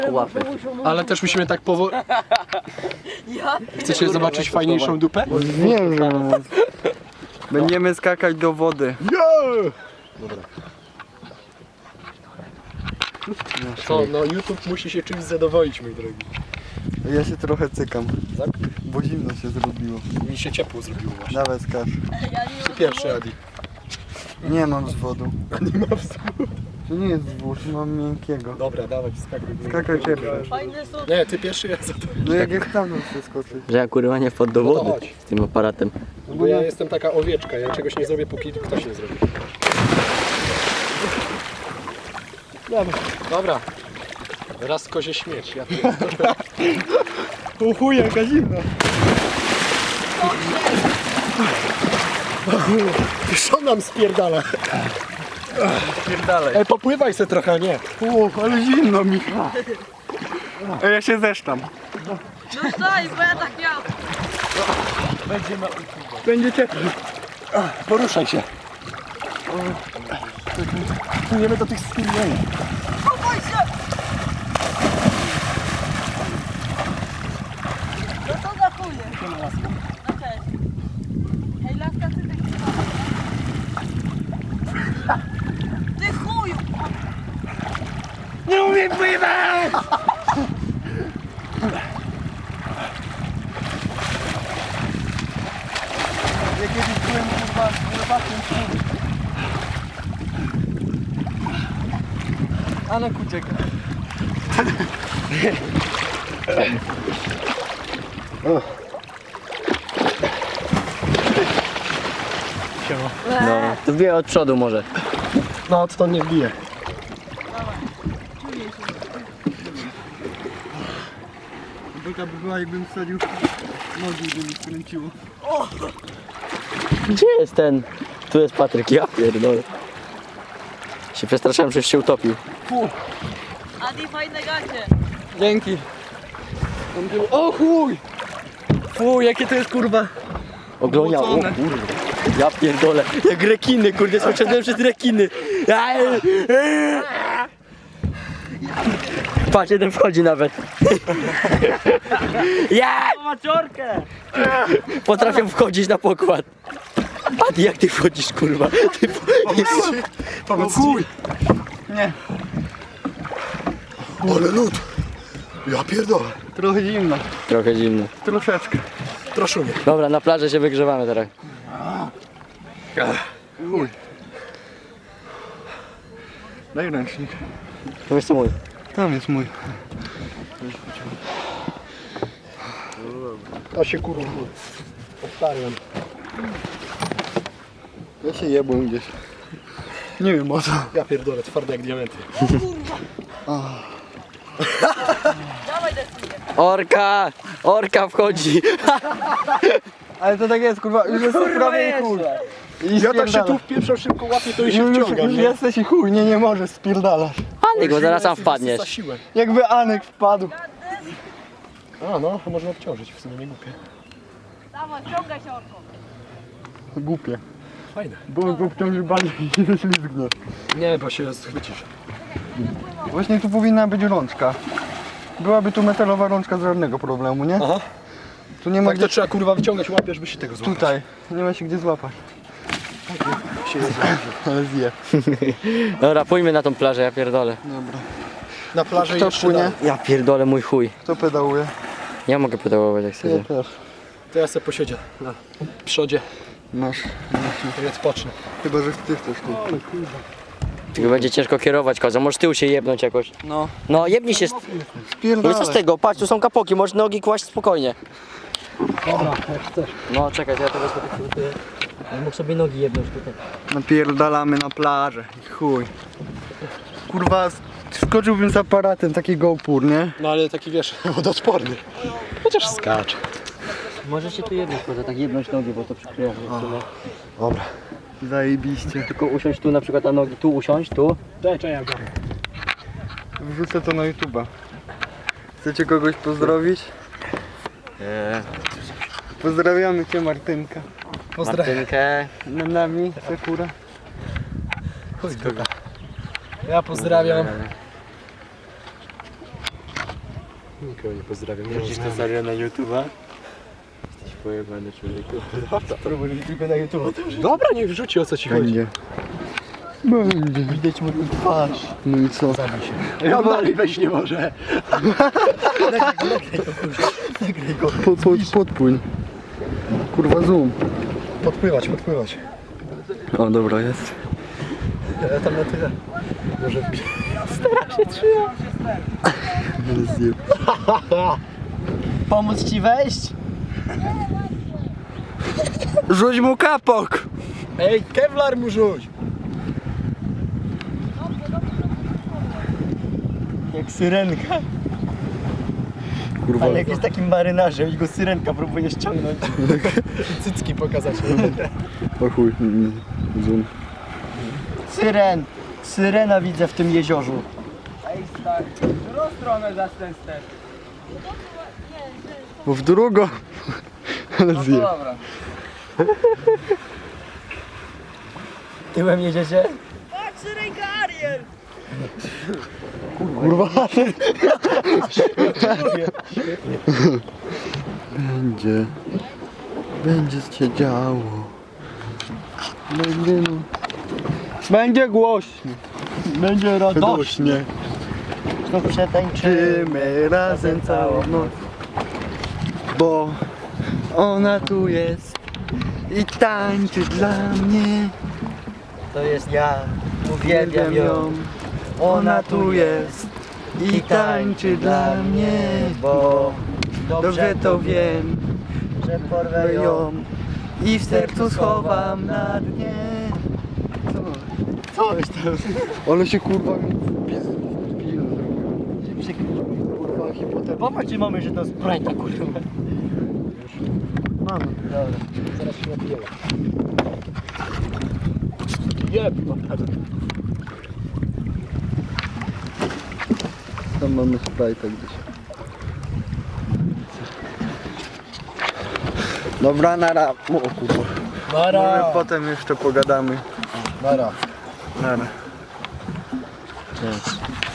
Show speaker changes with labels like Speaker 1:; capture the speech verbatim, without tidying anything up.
Speaker 1: Łapy.
Speaker 2: Ale też musimy tak powoli... Chcecie zobaczyć fajniejszą dupę?
Speaker 3: Wiem, że będziemy skakać do wody.
Speaker 2: Dobra. Co, no YouTube musi się czymś zadowolić, mój drogi.
Speaker 3: Ja się trochę cykam,
Speaker 2: Tak?
Speaker 3: bo zimno się zrobiło.
Speaker 2: Mi się ciepło zrobiło właśnie.
Speaker 3: Dawaj skacz.
Speaker 2: Ty pierwszy, Adi.
Speaker 3: Nie mam zwodu.
Speaker 2: Nie ma wschód.
Speaker 3: To nie jest zwód, mam miękkiego.
Speaker 2: Dobra, dawaj, skakuj.
Speaker 3: Skakaj pierwszy.
Speaker 4: Fajne są.
Speaker 2: Nie, ty pierwszy, ja za to.
Speaker 3: No jak jak tam chcę skoczyć?
Speaker 1: Że ja kurwa nie wpadł do
Speaker 2: No to
Speaker 1: wody
Speaker 2: chodź.
Speaker 1: z tym aparatem.
Speaker 2: Bo ja jestem taka owieczka, ja czegoś nie zrobię, póki ktoś nie zrobi. Dobra. Dobra. Raz kozie śmierć, ja
Speaker 3: O chuj, jaka zimna.
Speaker 2: Co nam spierdala?
Speaker 3: Pierdalej.
Speaker 2: Ej, popływaj se trochę, nie?
Speaker 3: O, ale zimno mi. A ja się zesztam.
Speaker 4: No daj, bo ja tak miałam.
Speaker 3: Będzie ciepło.
Speaker 2: Poruszaj się. Płyniemy do tych skinieni.
Speaker 4: Chowaj się! No to za chuje. No cześć. Hej, laska, ty tak Ty chuju!
Speaker 3: Nie umiem pływać! Ja kiedyś byłem kurwa pływakiem. Anek ucieka.
Speaker 1: No, to wie od przodu może.
Speaker 2: No, to nie wbije.
Speaker 3: Byka by była, jakbym wsadził nogi, by mi skręciło.
Speaker 1: Gdzie jest ten? Tu jest Patryk, ja pierdolę. Się przestraszyłem, że się utopił.
Speaker 4: Adi, fajne gacie.
Speaker 3: Dzięki. O chuj! Fu, jakie to jest kurwa.
Speaker 1: Oglonia, o
Speaker 3: Mocone.
Speaker 1: kurwa. Ja pierdolę, jak rekiny, kurde, skoczyłem przez rekiny. Patrz, jeden wchodzi nawet. Ja!
Speaker 4: Maciorkę!
Speaker 1: Potrafię wchodzić na pokład. Adi, jak ty wchodzisz, kurwa? Ty wchodzisz.
Speaker 2: Pomóc
Speaker 3: chuj. Nie,
Speaker 2: Ale lód. Ja pierdolę.
Speaker 3: trochę zimno.
Speaker 1: Trochę zimno.
Speaker 3: Troszeczkę.
Speaker 2: Troszumie.
Speaker 1: Dobra, na plaży się wygrzewamy teraz.
Speaker 3: Chuj. Daj ręcznik.
Speaker 1: To jest mój.
Speaker 3: Tam jest mój.
Speaker 2: A się kurwa. Odtarłem.
Speaker 3: Ja się jebłem gdzieś. Nie wiem o co.
Speaker 2: Ja pierdolę, twarde jak diamenty.
Speaker 4: Dawaj decyzję.
Speaker 1: Orka! Orka wchodzi!
Speaker 3: Ale to tak jest kurwa, już jesteś prawie i chuj. I
Speaker 2: Ja tak się
Speaker 3: spierdala.
Speaker 2: tu wpieprzam szybko łapię, to i się
Speaker 3: Już, już,
Speaker 2: wciągam,
Speaker 3: już
Speaker 2: nie?
Speaker 3: jesteś i chuj, nie, nie możesz, spierdalasz.
Speaker 1: Anik, bo zaraz sam wpadniesz.
Speaker 2: Za siłę.
Speaker 3: Jakby Anek wpadł.
Speaker 2: A no, można obciążyć, w sumie nie głupie.
Speaker 4: Dawaj, ciągaj się orką.
Speaker 3: Głupie.
Speaker 2: Fajne.
Speaker 3: Bo go wciąży bardziej i się ześlizgnie.
Speaker 2: Nie, bo się schwycisz.
Speaker 3: Właśnie tu powinna być rączka. Byłaby tu metalowa rączka z żadnego problemu, nie?
Speaker 2: Aha.
Speaker 3: Tu nie ma
Speaker 2: Tak
Speaker 3: gdzie...
Speaker 2: to trzeba kurwa wyciągać łapie, żeby się tego złapać.
Speaker 3: Tutaj. Nie ma się gdzie złapać.
Speaker 2: Się jest
Speaker 3: Ale zje.
Speaker 1: Dobra, pójdźmy na tą plażę, ja pierdolę.
Speaker 3: Dobra.
Speaker 2: Na plaży
Speaker 3: Kto
Speaker 2: jeszcze
Speaker 3: płynie?
Speaker 2: dalej.
Speaker 1: Ja pierdolę mój chuj.
Speaker 3: Kto pedałuje?
Speaker 1: Ja mogę pedałować jak
Speaker 3: Ja
Speaker 1: chcę.
Speaker 3: też.
Speaker 2: To ja sobie posiedzię na przodzie,
Speaker 3: Masz.
Speaker 2: to ja odpocznę.
Speaker 3: Chyba, że ty chcesz tu.
Speaker 1: Tylko będzie ciężko kierować kozą, może tył się jebnąć jakoś.
Speaker 3: No.
Speaker 1: No jebnij się. z- No i
Speaker 3: Spierdalaj.
Speaker 1: co z tego? Patrz, tu są kapoki, możesz nogi kłaść spokojnie.
Speaker 2: Dobra, jak chcesz.
Speaker 1: No czekaj, ja to wezmę tak sobie. Ja mógł sobie nogi jebnąć tutaj.
Speaker 3: Napierdalamy na plażę. I chuj. Kurwa, skoczyłbym z aparatem, taki GoPro, nie?
Speaker 2: No ale taki wiesz, wodoodporny. Chociaż skacz.
Speaker 1: Możesz się tu jebnąć kozę, tak jebnąć nogi, bo to przykrywa.
Speaker 2: Dobra.
Speaker 3: Zajebiście.
Speaker 1: Tylko usiąść tu na przykład na nogi, tu usiąść, tu.
Speaker 2: Daj, czekaj, ja go.
Speaker 3: Wrzucę to na YouTube'a. Chcecie kogoś pozdrowić?
Speaker 1: Eee,
Speaker 3: Pozdrawiamy cię, Martynka.
Speaker 2: Pozdrawiam.
Speaker 1: Martynkę.
Speaker 3: Na nami, Sakura.
Speaker 2: Ja pozdrawiam Nikogo nie pozdrawiam.
Speaker 1: Wrzucisz to serio na YouTube'a? Jesteś pojebany człowieku. Spróbuj tylko na YouTube'a.
Speaker 2: Dobra, niech wrzuci, o co ci chodzi.
Speaker 3: Będzie. Będzie.
Speaker 1: Widać moją twarz.
Speaker 3: No i co?
Speaker 2: Zabij się. Ja dalej wejść nie może.
Speaker 1: Nagraj go.
Speaker 3: Po, po, podpłyń. Kurwa zoom.
Speaker 2: Podpływać, podpływać.
Speaker 3: O dobra, jest.
Speaker 2: Ja tam na tyle. Może wbić.
Speaker 3: Zjeb.
Speaker 1: Pomóc ci wejść?
Speaker 3: Rzuć mu kapok!
Speaker 2: Ej, kevlar mu rzuć.
Speaker 1: Jak syrenka.
Speaker 3: Kurwa.
Speaker 1: Ale jak jest takim marynarzem i go syrenka próbuje ściągnąć.
Speaker 2: Cycki pokazać.
Speaker 3: O chuj. mm, Zoom.
Speaker 1: Syren! Syrena widzę w tym jeziorzu.
Speaker 3: Bo w drugą. Ale zjeb.
Speaker 1: Tyłem jedziecie?
Speaker 4: Patrz, ręka Ariel!
Speaker 3: Kurwa. Będzie. Będzie się działo. Będzie no. Będzie głośno.
Speaker 1: Będzie radość.
Speaker 3: Radośnie.
Speaker 1: Znów przetańczymy.
Speaker 3: Żyjmy razem całą noc. Bo ona tu jest i tańczy dla mnie.
Speaker 1: To jest ja. Uwielbiam ją.
Speaker 3: Ona tu jest i tańczy dla mnie. Bo dobrze to wiem,
Speaker 1: że porwę ją.
Speaker 3: ją i w sercu schowam na dnie. Co?
Speaker 1: Coś tam.
Speaker 3: Ale się kurwa mi
Speaker 1: Się przykrył. Kurwa, hipoter. Popatrzcie mamy, że to Sprite'a kurwa.
Speaker 3: Mamy.
Speaker 1: Dobra.
Speaker 2: Zaraz się napiję. Jeb, naprawdę.
Speaker 3: Tam mamy Sprite'a gdzieś. Dobra, nara. O kurwa. Może
Speaker 2: Nara.
Speaker 3: potem jeszcze pogadamy.
Speaker 2: Nara.
Speaker 3: Nara.
Speaker 1: Nie.